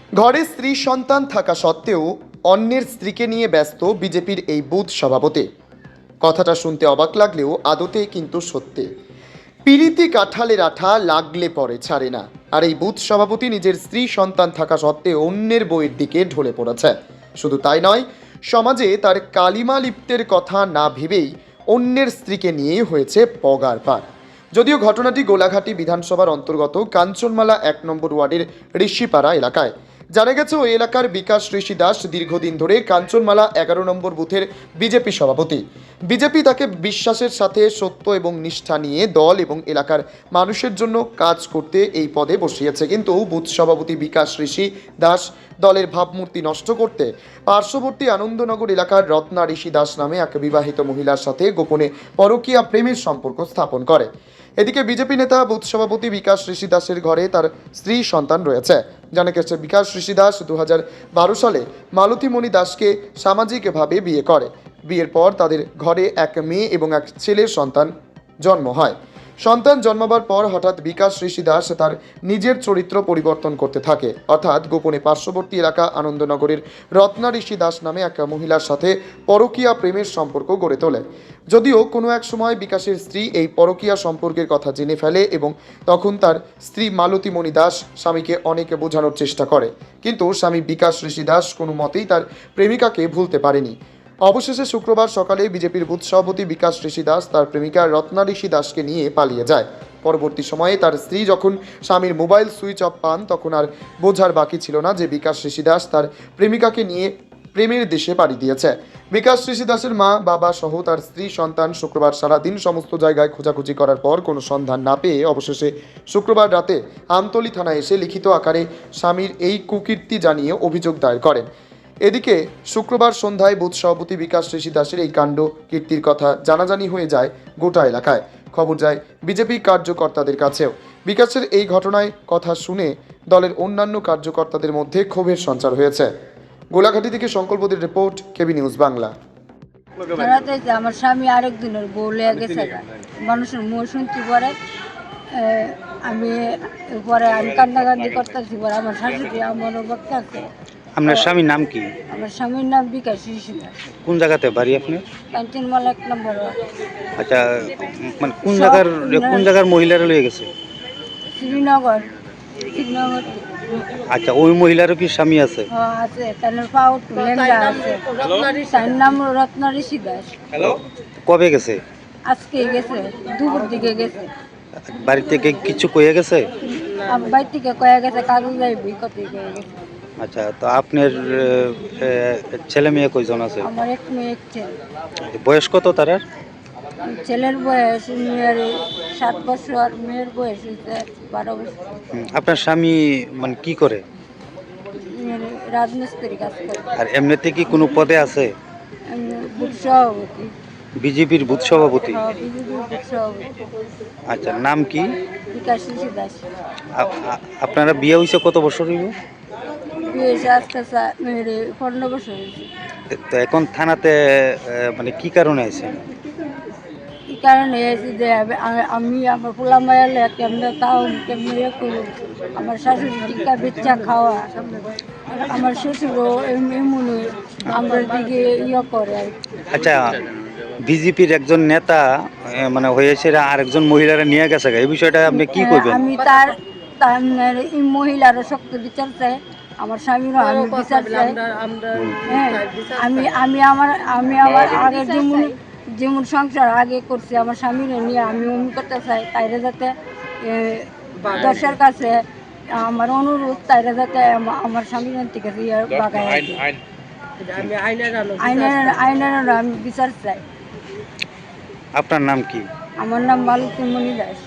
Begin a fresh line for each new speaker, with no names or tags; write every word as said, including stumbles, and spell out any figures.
ঘরে স্ত্রী সন্তান থাকা সত্ত্বেও অন্যের স্ত্রীকে নিয়ে ব্যস্ত বিজেপির এই বুথ সভাপতি। কথাটা শুনতে অবাক লাগলেও আদতে কিন্তু সত্যি। পিরিতি কাঁঠালের আঠা লাগলে পরে ছাড়ে না। আর এই বুথ সভাপতি নিজের স্ত্রী সন্তান থাকা সত্ত্বেও অন্যের বইয়ের দিকে ঢলে পড়েছে। শুধু তাই নয়, সমাজে তার কালিমা লিপ্তের কথা না ভেবেই অন্যের স্ত্রীকে নিয়ে হয়েছে পগার পার। যদিও ঘটনাটি গোলাঘাটি বিধানসভার অন্তর্গত কাঞ্চনমালা এক নম্বর ওয়ার্ডের ঋষিপাড়া এলাকায়। জানা গেছে ওই এলাকার বিকাশ ঋষি দাস দীর্ঘদিন ধরে কাঞ্চনমালা এগারো নম্বর বুথের বিজেপি সভাপতি। বিজেপি তাকে বিশ্বাসের সাথে সত্য এবং নিষ্ঠা নিয়ে দল এবং এলাকার মানুষের জন্য কাজ করতে এই পদে বসিয়েছে। কিন্তু বুথ সভাপতি বিকাশ ঋষি দাস দলের ভাবমূর্তি নষ্ট করতে পার্শ্ববর্তী আনন্দনগর এলাকার রত্না ঋষি দাস নামে এক বিবাহিত মহিলার সাথে গোপনে পরকীয়া প্রেমের সম্পর্ক স্থাপন করে। এদিকে বিজেপি নেতা বুথ সভাপতি বিকাশ ঋষি দাসের ঘরে তার স্ত্রী সন্তান রয়েছে। জানা গেছে বিকাশ ঋষি দাস দু হাজার বারো সালে মালতীমণি দাসকে সামাজিকভাবে বিয়ে করে। বিয়ের পর তাদের ঘরে এক মেয়ে এবং এক ছেলের সন্তান জন্ম হয়। সন্তান জন্মাবার পর হঠাৎ বিকাশ ঋষি দাস তার নিজের চরিত্র পরিবর্তন করতে থাকে, অর্থাৎ গোপনে পার্শ্ববর্তী এলাকা আনন্দনগরের রত্না ঋষি দাস নামে এক মহিলার সাথে পরকীয়া প্রেমের সম্পর্ক গড়ে তোলে। যদিও কোনো এক সময় বিকাশের স্ত্রী এই পরকীয়া সম্পর্কের কথা জেনে ফেলে এবং তখন তার স্ত্রী মালতীমণি দাস স্বামীকে অনেকে বোঝানোর চেষ্টা করে, কিন্তু স্বামী বিকাশ ঋষি দাস কোনো মতেই তার প্রেমিকাকে ভুলতে পারেনি। অবশেষে শুক্রবার সকালে বিজেপির বুথ সভাপতি বিকাশ ঋষি দাস তার প্রেমিকা রত্না ঋষি দাসকে নিয়ে পালিয়ে যায়। পরবর্তী সময়ে তার স্ত্রী যখন স্বামীর মোবাইল সুইচ অফ পান, তখন আর বোঝার বাকি ছিল না যে বিকাশ ঋষি দাস তার প্রেমিকাকে নিয়ে প্রেমের দেশে পাড়ি দিয়েছে। বিকাশ ঋষি দাসের মা বাবা সহ তার স্ত্রী সন্তান শুক্রবার সারাদিন সমস্ত জায়গায় খোঁজাখুঁজি করার পর কোনো সন্ধান না পেয়ে অবশেষে শুক্রবার রাতে আমতলী থানায় এসে লিখিত আকারে স্বামীর এই কুকীর্তি জানিয়ে অভিযোগ দায়ের করেন। এদিকে শুক্রবার সন্ধ্যায় বুথ সভাপতি বিকাশ ঋষি দাসের এই কাণ্ড কীর্তির কথা জানাজানি হয়ে যায় গোটা এলাকায়। খবর যায় বিজেপি কার্যকর্তাদের কাছেও। বিকাশের এই ঘটনায় কথা শুনে দলের অন্যান্য কার্যকর্তাদের মধ্যে ক্ষোভের সঞ্চার হয়েছে। গোলাঘাটি থেকে সংকল্পদের রিপোর্ট, কেবি নিউজ বাংলা।
আমার স্বামী আরেকদিনের বউ লেগে গেছে, মানুষের মুখ শুনতে পরে আমি পরে আমি কান্দাকান্দি করতেছি, পরে আমার শাশুড়ি আমারও বক্তাছে।
আপনার স্বামীর নাম কি?
আমার স্বামীর নাম বিকাশ ঋষি দাস।
কোন জায়গাতে বাড়ি আপনার?
কাঞ্চনমালা এক নম্বর।
আচ্ছা, মানে কোন জায়গার কোন জায়গার মহিলারা লয়ে গেছে?
শ্রীনগর শ্রীনগর
আচ্ছা, ওই মহিলারও কি স্বামী আছে?
হ্যাঁ আছে, তার পাও লেঙ্গা আছে। তার নাম রত্না ঋষি দাস।
কবে গেছে?
আজকে গেছে, দুপুর দিকে গেছে।
বাড়ি থেকে কিছু কয়ে গেছে?
আমার বাড়ি থেকে কয়ে গেছে কাগজ যাইবি কত কয়ে গেছে।
আচ্ছা, তো আপনার ছেলে মেয়ে কয়জন আছে?
আমার এক মেয়ে এক ছেলে।
বয়স কত তার?
ছেলের বয়স মেয়ের সাত বছর, মেয়ের বয়স হচ্ছে বারো বছর।
আপনার স্বামী মানে কি করে?
রাজমিস্ত্রি কাজ করে।
আর এমনিতে কি কোনো পদে আছে?
বুথ সভাপতি,
বিজেপির বুথ সভাপতি।
বিজেপির বুথ সভাপতি।
আচ্ছা, নাম কি?
বিকাশ ঋষি দাস।
আপনারা বিয়ে হয়েছে কত বছর হইব?
বিয়ে হয়েছে আজকে পনেরো বছর হয়েছে।
তো এখন থানাতে মানে কি কারণে আছে?
কি কারণে এসেছি যে আমি আমার পোলা মায়ালে কেমনে তাও কেমনে ইয়ে করবো, আমার শাশুড়ি টিকা বেচা খাওয়া, আমার শ্বশুরও এমনি আমার দিকে ইয়ে করে।
আচ্ছা, বিজেপির একজন নেতা মানে হয়েছে আর একজন মহিলারা নিয়ে গেছে, এই বিষয়টা আপনি কি করবেন?
আমি তার তার এই মহিলারও শক্ত বিচার চাই, আমার স্বামীরও আমি বিচার চাই। হ্যাঁ, আমি আমি আমার আমি আমার আগে যেমন যেমন সংসার আগে করছি আমার স্বামীরে নিয়ে আমি অমনি করতে চাই, তাইরে যাতে দশের কাছে আমার অনুরোধ, তাইরে যাতে আমার স্বামীর থেকে বাগায় আইনের আইনের আমি বিচার চাই।
আপনার নাম কি?
আমার নাম মালতীমণি দাস।